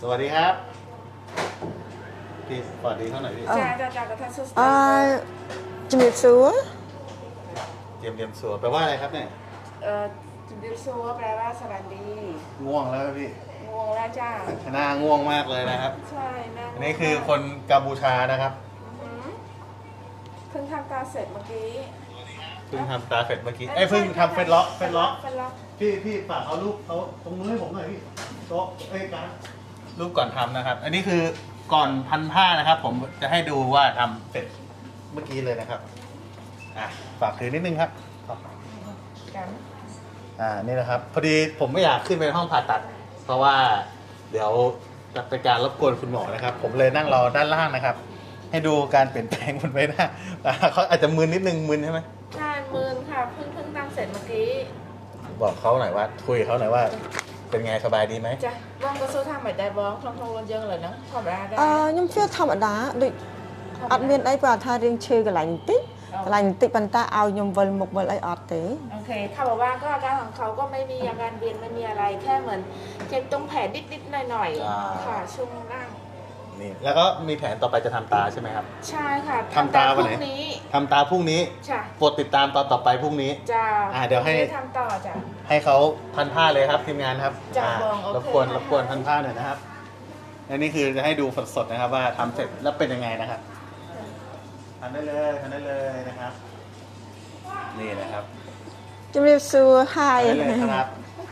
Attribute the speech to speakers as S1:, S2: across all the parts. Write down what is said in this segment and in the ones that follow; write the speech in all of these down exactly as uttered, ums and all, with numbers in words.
S1: สวัสดีครับพี่สวัสดีเท่าไหร่พี่
S2: จ้าจ้าจ้ากระทะซุส
S3: อ่าจิมิซัว
S1: เตรียมเตรียมสัวแปลว่าอะไรครับเนี่ย
S2: เอ่อจิบิวซัวแปลว่าสวัสดี
S1: ง่วงแล้วพี่
S2: งวงแล้วจ้า
S1: หน้าง่วงมากเลยนะครับ
S2: ใช่นะ
S1: อันนี้คือคนกัมพูชานะครับ
S2: อือหือเพิ่งทำตาเสร็จเมื่อกี้
S1: เพิ่งทำตาเฟดเมื่อกี้เอ้ยเพิ่งทำเฟดล็อกเฟดล็อก
S2: เฟดล็อก
S1: พี่พี่ฝากเอารูปเขาตรงนู้นให้ผมหน่อยพี่โต๊ะเอ้ยการรูปก่อนทำนะครับ อันนี้คือก่อนพันผ้านะครับ ผมจะให้ดูว่าทำเสร็จเมื่อกี้เลยนะครับอ่ะฝากถือนิดนึงครับ
S2: กัน
S1: อ่านี่นะครับ พอดีผมไม่อยากขึ้นไปห้องผ่าตัด เพราะว่าเดี๋ยวจะเป็นการรบกวนคุณหมอนะครับ ผมเลยนั่งรอด้านล่างนะครับ ให้ดูการเปลี่ยนแปลงบนใบหน้าอ่าเขาอาจจะมึนนิดนึงมึนใช่ไหม
S2: ใช่มืนค่ะเพิ่งเพิ่งทำเสร็จเมื่อกี้
S1: บอกเขาหน่อยว่าคุยกับเขาหน่อยว่าเป็นไงสบายดีไหม
S2: จ้ะบ้องก็สู้ทำแบบได้บ้องทองทองรนเยิงเลยนะธรรมดาได้
S3: อ่าខ្ញុំជឿធម្មតាដូចអត់មានអីព្រោះថារៀងឈឺកន្លែងបន្តិចកន្លែងបន្តិចប៉ុន្តែឲ្យខ្ញុំវិលមុខវិលអីអត់ទេ
S2: โอเคเขาบอกว่าก็อาการของเขาก็ไม่มีอาการเวียนไม่มีอะไรแค่เหมือนเจ็บตรงแผลนิดๆหน่อยๆค่ะช่วงล่าง
S1: นี่แล้วก็มีแผนต่อไปจะทำตาใช่ไหมครับ
S2: ใช่ค่ะ
S1: ทำตาวันไหน
S2: พรุ่งนี้
S1: ทำตาพรุ่งนี้
S2: จ้ะ
S1: โปรดติดตามตอนต่อไปพรุ่งนี้
S2: จะ
S1: อ่าเดี๋ยวให้
S2: ทำต่อจ้ะ
S1: ให้เขาพันผ้าเลยครับทีมงานครับ
S2: จ้ะ
S1: อ่า
S2: บองโอเค
S1: รบกวน
S2: ค่ะ
S1: รบกวนพันผ้าหน่อยนะครับอันนี้คือจะให้ดูสดๆนะครับว่าทำเสร็จแล้วเป็นยังไงนะครับทำได้เลยทำได้เลยนะครับ นี่นะครับ
S3: ជំរាបសួរហាយ
S1: ทำได้เลยครับ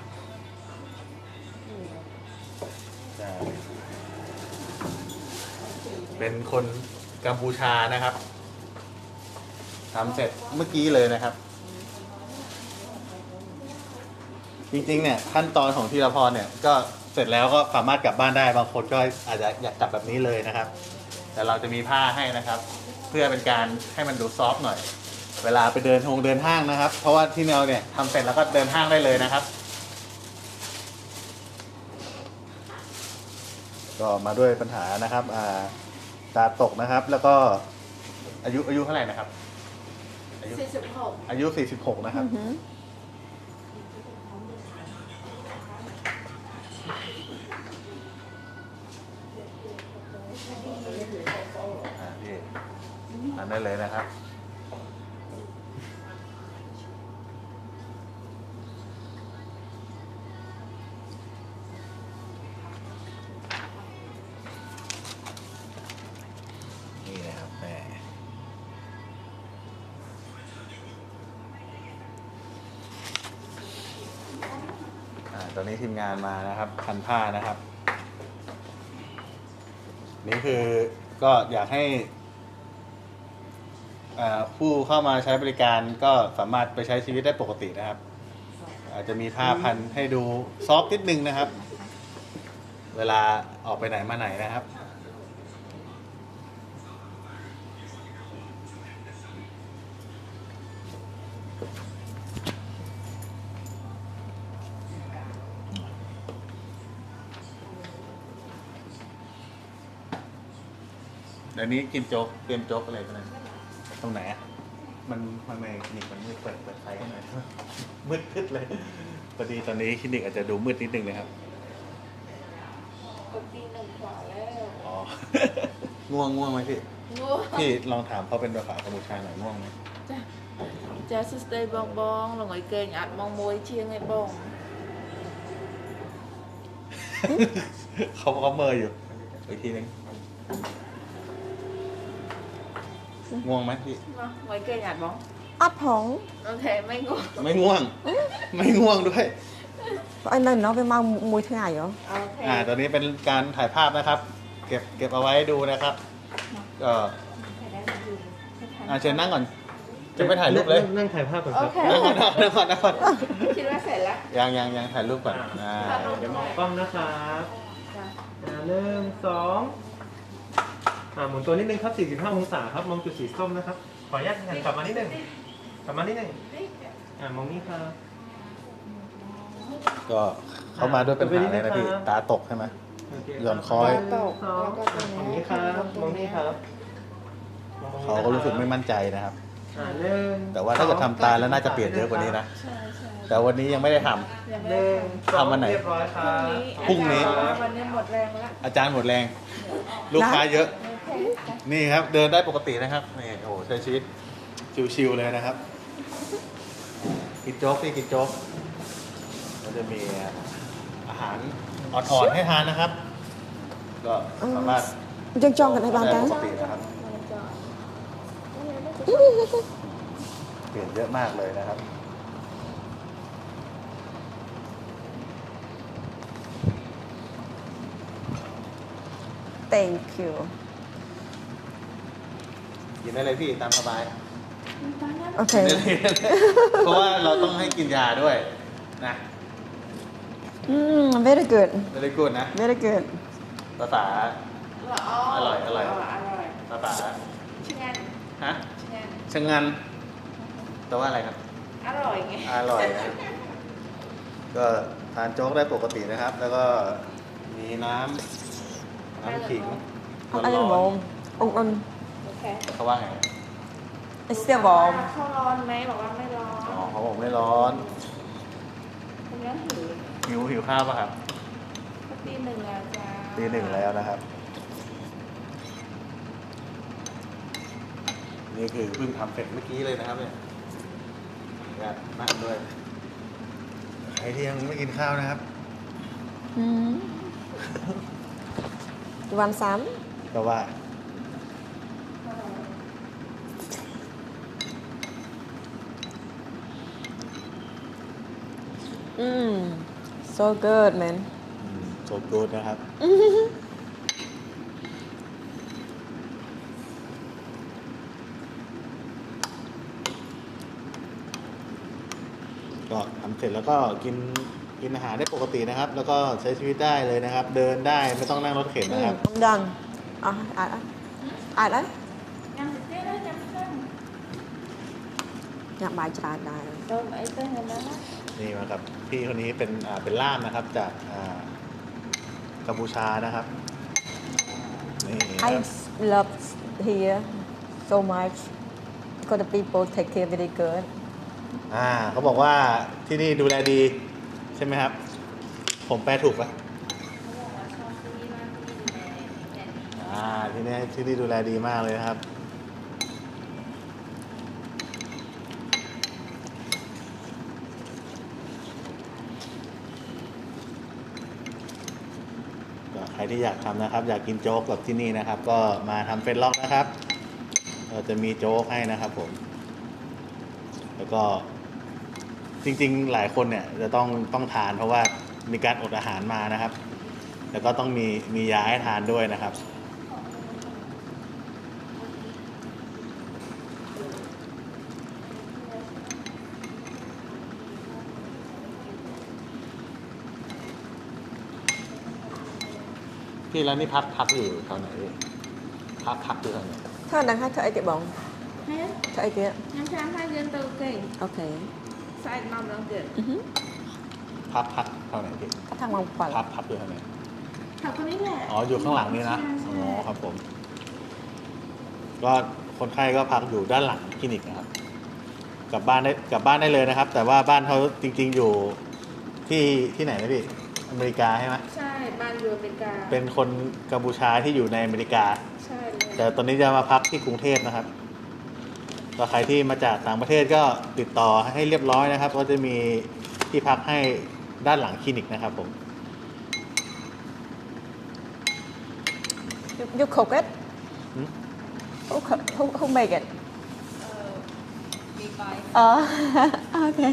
S1: ใช่เป็นคนกัมพูชานะครับทำเสร็จเมื่อกี้เลยนะครับ จริงๆเนี่ยขั้นตอนของธีรพรเนี่ยก็เสร็จแล้วก็สามารถกลับบ้านได้บางคนก็อาจจะอยากกลับแบบนี้เลยนะครับ แต่เราจะมีผ้าให้นะครับ เพื่อเป็นการให้มันดูซอฟต์หน่อย เวลาไปเดินทงเดินห้างนะครับ เพราะว่าที่เราเนี่ยทำเสร็จแล้วก็เดินห้างได้เลยนะครับ ก็มาด้วยปัญหานะครับอ่าตาตกนะครับ แล้วก็อายุอายุเท่าไหร่นะครับ อายุ
S2: สี่สิบหก
S1: อายุสี่สิบหกนะครับ อ่าพี่ทานได้เลยนะครับ นี่นะครับแม่อ่าตอนนี้ทีมงานมานะครับพันผ้านะครับ นี่คือก็อยากให้อ่าผู้เข้ามาใช้บริการก็สามารถไปใช้ชีวิตได้ปกตินะครับ อาจจะมีผ้าพันให้ดูซอฟต์นิดนึงนะครับ เวลาออกไปไหนมาไหนนะครับ เดี๋ยวนี้กินโจ๊กเตรียมโจ๊กอะไรกันนะตรงไหนอะมันมันในคลินิกมันมืดเปิดเปิดไฟให้หน่อย มืดทึดเลยพอดีตอนนี้คลินิกอาจจะดูมืดนิดนึงนะครับ
S2: ก็ปีหนึ่งกว่าแล้ว
S1: อ๋อ ง่วงง่วงไหมพี่
S2: งู
S1: พี่ลองถามเขาเป็นภาษากัมพูชาหน่อยง่วงไหม
S2: จ้ะจ้ะสุดเลยบองบองลงไอ้เกงอัดมองมวยเชียงไอ้บอง
S1: เขาเขาเมออยู่อีกทีนึงง่วงไหมพี่
S2: มาไว้เกงอัดบอง
S3: អត់ផង
S2: โอเคไม่งู
S1: ไม่ง่วง ไม่ง่วงด้วย
S3: បើឲ្យនៅនោះវាមកមួយថ្ងៃហ៎
S2: โอเค
S1: อ่า ตอนนี้เป็นการถ่ายภาพนะครับ เก็บเก็บเอาไว้ดูนะครับ ก็อ่าเชิญนั่งก่อน จะไปถ่ายรูปเลย
S4: นั่งถ่ายภาพก่อน
S2: โอ
S4: ครับ
S2: เค
S1: นั่งก่อนนั่งก่อนนั่งก่อน
S2: คิดว่าเสร็จแล้ว
S1: ยังยังยังถ่ายรูปก่อนอ่า
S4: เดี๋ยวมองกล้องนะครับ
S2: จ้ะ
S4: อ่าหนึ่งสองอ่าหมุนตัวนิดนึงครับสี่สิบห้าองศาครับ มองจุดสีส้มนะครับ ขออนุญาตหันกลับมานิดนึง กลับมานิดนึงอ่ามองนี่ครับ
S1: ก็เขามาด้วยปัญหาอะไรนะพี่ ตาตกใช่ไหม
S4: โเค
S1: หย่อนคอย
S4: หนึ่งสองมองนี่ครับ มองนี่ครับ
S1: เขาก็รู้สึกไม่มั่นใจนะครับ
S2: จ
S4: อ่าหนึ่ง
S1: แต่ว่าถ้าเกิดทำตายแล้วน่าจะเปลี่ยนเยอะกว่านี้นะ
S2: ใช่ใช่
S1: แต่วันนี้ยังไม่ได้ทำ
S2: ยังไม่
S4: ห
S2: ได้
S4: นึ่ง
S2: ทำ
S4: สอง
S1: ทำวันไหน
S4: เรียบร้อยค
S2: พรุ่ง
S4: รับ
S2: นี้
S1: พรุ่งนี้
S2: อาจารย์วันนี้หมดแรงแล้ว
S1: อาจารย์หมดแรง ลูกค้าเยอะ
S2: โอเคค่ะ
S1: นี่ครับ เดินได้ปกตินะครับนี่โอ้โหใช้ชีวิตชิวๆเลยนะครับ กินโจ๊กที่กินโจ๊กก็จะมีอาหารอ่อนๆให้ทานนะครับ ก็สามารถ
S3: យើងចង់កន្លែងបាន
S1: ได้
S3: តា
S1: ปกตินะครับ เปลี่ยนเยอะมากเลยนะครับ
S3: thank you
S1: กินได้เลยพี่ตามสบาย
S3: អូខេ
S1: กินได้เลยเพราะว่าเราต้องให้กินยาด้วยนะ
S3: อืม very good
S1: ไม่ได้กูดนะ
S3: very good
S1: ภาษา อร่อยอร่อย
S2: อร่อย
S1: ภาษา
S2: ชิงัน
S1: ฮะ
S2: ชิงัน
S1: ชะงันแปลว่าอะไรครับ
S2: อร่อยไง
S1: อร่อยนะก็ทานโจ๊กได้ปกตินะครับ แล้วก็มีน้ำน้ำขิง
S3: អត់អី
S1: ร้
S3: ហ្ម
S1: อน
S3: ងអ៊ុំអ៊ុំ
S2: โอเค
S1: ๆเขาว่าไง
S3: អីស្ទះហ្មង
S2: เขาร้อนไหมบอกว่าไม่ร้อน
S1: อ๋อเขาบอกไม่ร้อน
S2: คุณยังหิว
S1: หิวหิวข้าวป่ะครับ
S2: ก็ตีหนึ่งแล้วจ้า
S1: ตีหนึ่งแล้วนะครับ นี่คือเพิ่งทำเสร็จเมื่อกี้เลยนะครับเนี่ยอยากนั่งด้วยใครที่ยังไม่กินข้าวนะครับ
S3: อืมวันสาม
S1: ก็ว่า
S3: อืม so good man
S1: โซกูดนะครับ ก็ทำเสร็จแล้วก็กินกินอาหารได้ปกตินะครับ แล้วก็ใช้ชีวิตได้เลยนะครับ เดินได้ไม่ต้องนั่งรถเข็น
S3: อื
S1: นะ
S3: ม
S1: ครับ
S3: ខ្ញុំដឹងអស់អាចអត់អាចអត់
S2: ยังติดเต้นแล้วยังเต้น
S3: ញ៉ាំបាយច្រើនដែរ
S2: เติมไอ้เต้นกันแล้วนะ
S1: นี่มาครับพี่คนนี้เป็นอ่าเป็นล่ามนะครับจากอ่ากัมพูชานะครับนี่ค
S3: I
S1: รับ
S3: love here so much because the people take care very good
S1: อ่าเขาบอกว่าที่นี่ดูแลดีใช่ไหมครับ ผมแปลถูกปะอ่าที่นี่ที่นี่ดูแลดีมากเลยนะครับ ก็ใครที่อยากทำนะครับ อยากกินโจ๊กแบบที่นี่นะครับ ก็มาทำเฟซล็อกนะครับเราจะมีโจ๊กให้นะครับผม แล้วก็จริงๆหลายคนเนี่ยจะต้องต้องทานเพราะว่ามีการอดอาหารมานะครับ แล้วก็ต้องมีมียาให้ทานด้วยนะครับ พี่แล้วนี่พักพักอยู่แถวไหนพี่พักพักอยู่แถวไหน
S3: ធ្វើអត់ដឹងហើយធ្វើអីទៀតបង
S2: ហេ
S3: ធ្វើអីទៀត
S2: ញ៉ាំចាំហើយយើងទៅគេង
S3: អូខេ
S2: ស្អែកម្ដងទៀត
S3: អឺហឹម
S1: พักพักแถวไหนพี่
S3: ថាម៉ោង
S1: พัก
S3: เจ็ด
S1: พักอยู่แถวไหน
S2: ถามคนนี้แหละ
S1: อ๋ออยู่ข้างหลังนี่นะ
S2: ใช่ใช่
S1: อ๋อครับผม ก็คนไข้ก็พักอยู่ด้านหลังคลินิกนะครับ กลับบ้านได้กลับบ้านได้เลยนะครับ แต่ว่าบ้านเขาจริง ๆอยู่ที่ที่ไหนนะพี่อเมริกาใช่ไหม
S2: ใช่บ้านอยู่อเมริกา
S1: เป็นคนกัมพูชาที่อยู่ในอเมริกา
S2: ใช่เลย
S1: แต่ตอนนี้จะมาพักที่กรุงเทพนะครับก็ใครที่มาจากต่างประเทศก็ติดต่อให้เรียบร้อยนะครับ ก็จะมีที่พักให้ด้านหลังคลินิกนะครับผม
S3: you you cook it
S1: หืม
S3: who cook who who make it
S2: มีไป
S3: อ๋อ okay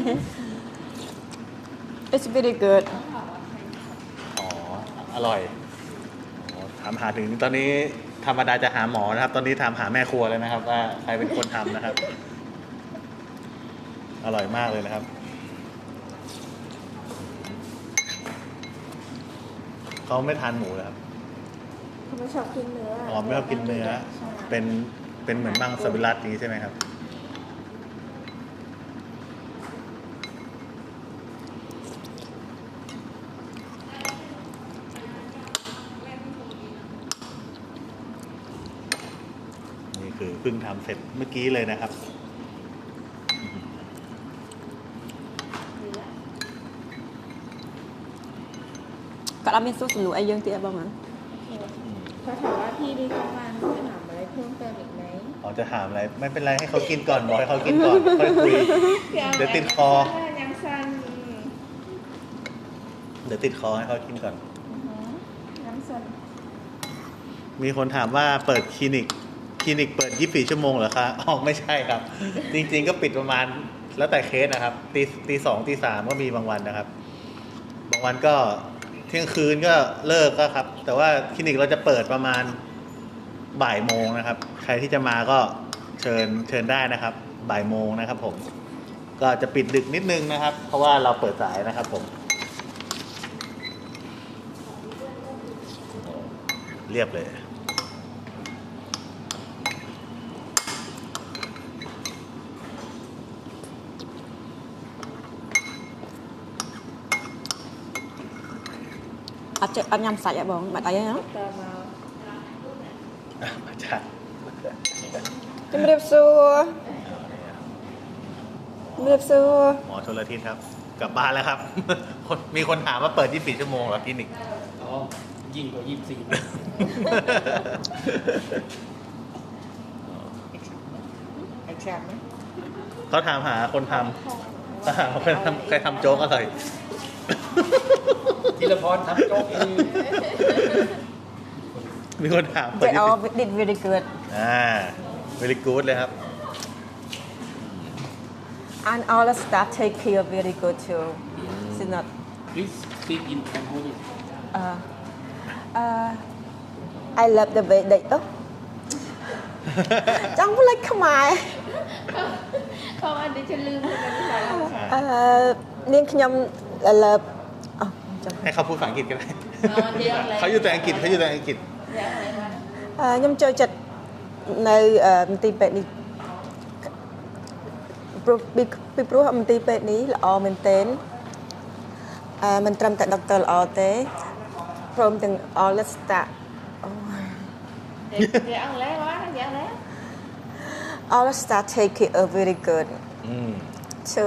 S3: it's very good
S1: อ๋อ อร่อยอ๋อถามหาถึงตอนนี้ธรรมดาจะหาหมอนะครับ ตอนนี้ถามหาแม่ครัวเลยนะครับ ว่าใครเป็นคนทำนะครับ อร่อยมากเลยนะครับ เขาไม่ทานหมูเลยครับ
S2: เขาไม่ชอบกินเนื้อ
S1: อ๋อไม่ชอบกินเนื้อ
S2: ใช่
S1: เป็น เป็นเหมือนมังสวิรัตนี้ใช่ไหมครับ นี่คือเพิ่งทำเสร็จเมื่อกี้เลยนะครับ
S3: គាត់អត់មានសួរសំណួរអីយើងទៀតបងណា
S2: เขาถามว่าพี่ดีเข้ามาเขาถามอะไรเพิ่มเติมอีกไหม
S1: เขาจะถามอะไรไม่เป็นไรให้เขากินก่อนบอกให้เขากินก่อนค่อยคุย เดี๋ยวติดคอ
S2: ยังสั้น
S1: เดี๋ยวติดคอให้เขากินก่อน
S2: ยังสั้น
S1: มีคนถามว่าเปิดคลินิกคลินิกเปิดยี่สิบสี่ชั่วโมงเหรอคะอ๋อไม่ใช่ครับ จริงๆก็ปิดประมาณแล้วแต่เคสนะครับตีตีสองตีสามก็มีบางวันนะครับ บางวันก็เที่ยงคืนก็เลิกก็ครับ แต่ว่าคลินิกเราจะเปิดประมาณบ่ายโมงนะครับ ใครที่จะมาก็เชิญเชิญได้นะครับ บ่ายโมงนะครับผม ก็จะปิดดึกนิดนึงนะครับ เพราะว่าเราเปิดสายนะครับผม เรียบเลย
S3: អត់ចេះអត់ញ៉ាំសាច់ហ៎បងបាត់អីហ្នឹង
S2: เติมมา
S1: มาจาก
S3: ជំរាបសួរជំរាបសួរ
S1: หมอชลทิศครับ กลับบ้านแล้วครับ คนมีคนถามว่าเปิดยี่สิบสี่ชั่วโมงเหรอคลินิก
S5: อ๋อยิ่งกว่ายี่สิบสี่
S2: ไอ้แชมป์ไหม
S1: เขาถามหาคนทำเขาถามว่าใครทำใครทำโจ๊กอร่อย
S5: ธีรพรทำโจ๊กเอง
S1: มีคนถามเปิ
S3: ចេះ
S1: ดยี่
S3: អ
S1: สิบ
S3: did very good
S1: อ่า very good เลยครับ
S3: and all the staff take care very good too it's not
S5: Please speak in Cambodian
S3: uh uh I love the way they oh ចង់ផ្លេចខ្មែរ
S2: เขาอันนี้จะลืมเลยนะ
S3: អឺនាងខ្ញុំ love អូចាំ
S1: ให้เขาพูดภาษาอังกฤษก็ได้
S2: อ๋อเดี๋ยวอะไร
S1: เขาอยู่แต่อังกฤษเขาอยู่แต่อังกฤษ
S2: เดี๋ยวอะไรวะ
S3: អឺខ្ញុំចូលចិត្តនៅអឺមន្ទីរពេទ្យនេះព្រោះពីពីព្រោះមន្ទីរពេទ្យនេះល្អមែនទែនអឺមិនត្រឹមតែដុកទ័រល្អទេព្រមទាំង all the staff អូ
S2: เดี๋ยวเดี๋ยวอะไรวะเดี๋ยวอะไร
S3: all the staff take care very good
S1: อืม
S3: so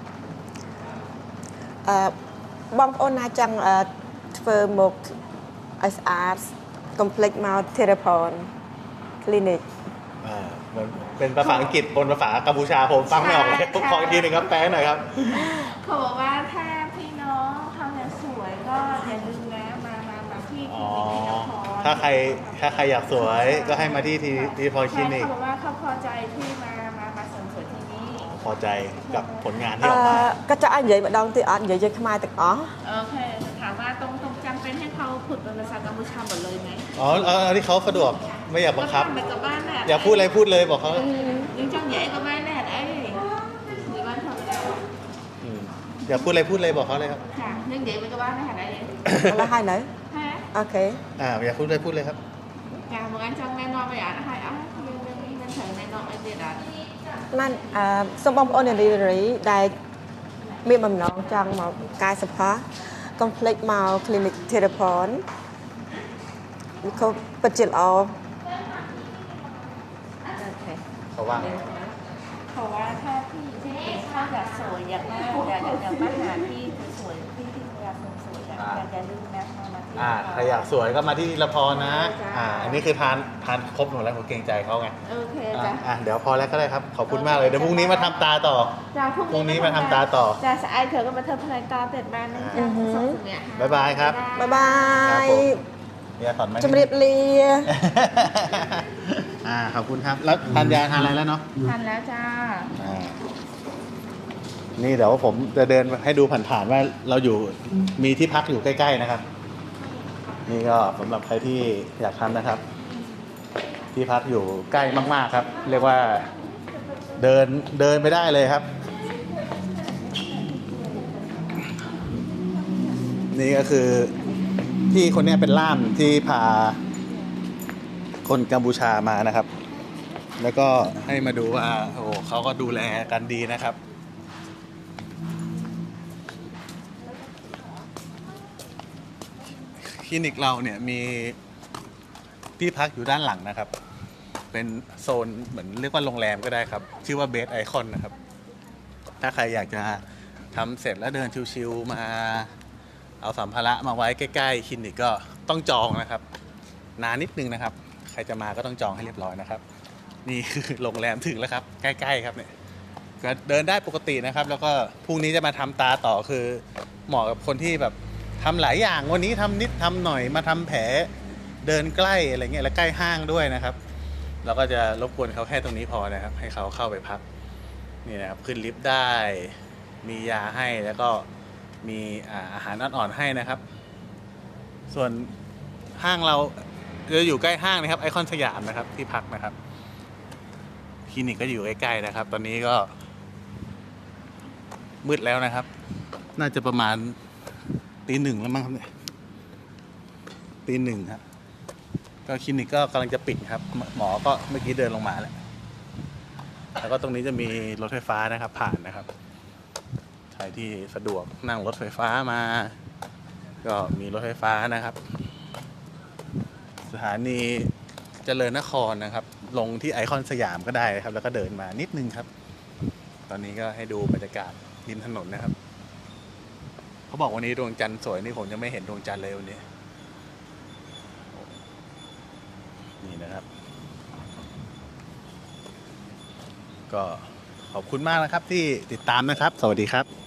S3: អឺបងប្អូនណាចង់អឺធ្វើមកឲ្យស្អាត complex មក Therapon clinic
S1: อ่าเหมือนเป็นภาษาอังกฤษบนภาษากัมพูชาผมฟังไม่ออกเลยผมขออีกทีหนึ่งครับแปลหน่อยครับ
S2: เขาบอกว่าถ้าพี่น้องเขาอยากสวยก็อย่าลืมนะมามามาที่ค
S1: อ๋
S2: ลิ
S1: อ
S2: นิกธีรพร
S1: ถ้าใครถ้าใครอยากสวยก็ให้มาที่ทีทีพอคลินิก
S2: เขาบอกว่าเขาพอใจที่มามามาเสริมสวยที่นี่
S1: พอใจกับผลงานที่
S3: អ
S1: ออกมา
S3: ឺក៏ចង់ឲ្យនិយាយម្ដងទៀតអត់និយាយជាខ្មែរទាំងអស់
S2: โอเคถามว่าตรงตรงจำเป็นให้เขาฝึกเป็นภาษากัมพูชาหมดเลยไหม
S1: อ๋อเอาเอาที่เขาสะดวกไม่อยากบังคับ
S2: ก็ทำไปกับบ้านแหละ
S1: อยากพูดอะไรพูดเลยบอกเขา
S2: ยังจังใหญ่กับบ้านแหละไอ้หรือบ้านทำแล้ว
S1: อืมอยากพูดอะไรพูดเลยบอกเขาเลยครับ
S2: ค่ะยังใหญ่ไปกับบ้านแหละไอ้
S3: ឥឡូវហើយនៅ
S2: ฮะ
S3: អូខេ
S1: อ่าอยากพูดอะไรพูดเลยครับ
S2: ค่ะเหมือนกันจังแน่นอนไปอ่ะให้อ่ะยังยังยังถึงแน่นอนไอ้เด็ดอ่ะ
S3: បានអឺសូមបងប្អូននារីដែលមានបំណងចង់មកកាយសផា complex មក clinic Therapon វាក៏ពិតជាល្អ
S2: โอเค
S1: เขาว่าไง
S2: เพราะว่าถ้าพี่ที่เขาอยากสวยอยากหน้าอยากอยากมาหาพี่สวยพี่ที่อยากสวยอยากอย่าลืมนะมาที่
S1: อ่าใครอยากสวยก็มาที่ละพรนะ อ่า อันนี้คือทานทานครบหมดแล้วผมเกรงใจเขาไง
S2: โอเค
S1: อ่ะ
S2: จ้ะ
S1: อ่ะเดี๋ยวพอแล้วก็ได้ครับ ขอบคุณมากเลย เดี๋ยวพรุ่งนี้มาทำตาต่อ
S2: จ้ะ
S1: พรุ่งนี้มาทำตาต่อ
S2: จ้ะสายเธอก็มาเธอพลายตาเต็ดบ้านนะจ๊ะส่งถึงเนี่ย
S1: บ๊ายบายครับ
S3: បាយបា
S1: ครับ
S3: យ
S1: ผม เนี่ยสอนไหม
S3: ជំរាបលា
S1: อ่า ขอบคุณครับ แล้วทานยาทานอะไรแล้วเนาะ
S2: ทันแล้วจ้า
S1: อ่า นี่เดี๋ยวผมจะเดินให้ดูผ่านๆว่าเราอยู่ มีที่พักอยู่ใกล้ๆนะครับ นี่ก็สำหรับใครที่อยากทำนะครับ ที่พักอยู่ใกล้มากๆครับ เรียกว่าเดินเดินไปได้เลยครับ นี่ก็คือพี่คนเนี้ยเป็นล่ามที่พาคนกัมพูชามานะครับ แล้วก็ให้มาดูว่าโอ้โหเขาก็ดูแลกันดีนะครับ คลินิกเราเนี่ยมีที่พักอยู่ด้านหลังนะครับ เป็นโซนเหมือนเรียกว่าโรงแรมก็ได้ครับ ชื่อว่าเบสไอคอนนะครับ ถ้าใครอยากจะทำเสร็จแล้วเดินชิวๆมาเอาสัมภาระมาไว้ใกล้ๆคลินิกก็ต้องจองนะครับ นานนิดนึงนะครับ ใครจะมาก็ต้องจองให้เรียบร้อยนะครับ นี่คือโรงแรมถึงแล้วครับ ใกล้ๆครับเนี่ยก็เดินได้ปกตินะครับ แล้วก็พรุ่งนี้จะมาทำตาต่อคือเหมาะกับคนที่แบบทำหลายอย่างวันนี้ทำนิดทำหน่อยมาทำแผลเดินใกล้อะไรเงี้ยแล้วใกล้ห้างด้วยนะครับ เราก็จะรบกวนเขาแค่ตรงนี้พอนะครับ ให้เขาเข้าไปพักนี่นะครับขึ้นลิฟต์ได้มียาให้แล้วก็มีอาหารอ่อนๆให้นะครับ ส่วนห้างเราจะอยู่ใกล้ห้างนะครับไอคอนสยามนะครับที่พักนะครับคลินิกก็อยู่ใกล้ๆนะครับ ตอนนี้ก็มืดแล้วนะครับ น่าจะประมาณตีหนึ่งแล้วมั้งครับเนี่ยตีหนึ่งครับก็คลินิกก็กำลังจะปิดครับหมอก็เมื่อกี้เดินลงมาแล้วแล้วก็ตรงนี้จะมีรถไฟฟ้านะครับผ่านนะครับใครที่สะดวกนั่งรถไฟฟ้ามาก็มีรถไฟฟ้านะครับสถานีเจริญนครนะครับลงที่ไอคอนสยามก็ได้นะครับแล้วก็เดินมานิดนึงครับตอนนี้ก็ให้ดูบรรยากาศริมถนนนะครับเขาบอกวันนี้ดวงจันทร์สวยนี่ผมยังไม่เห็นดวงจันทร์เลยวันนี้นี่นะครับก็ขอบคุณมากนะครับที่ติดตามนะครับสวัสดีครับ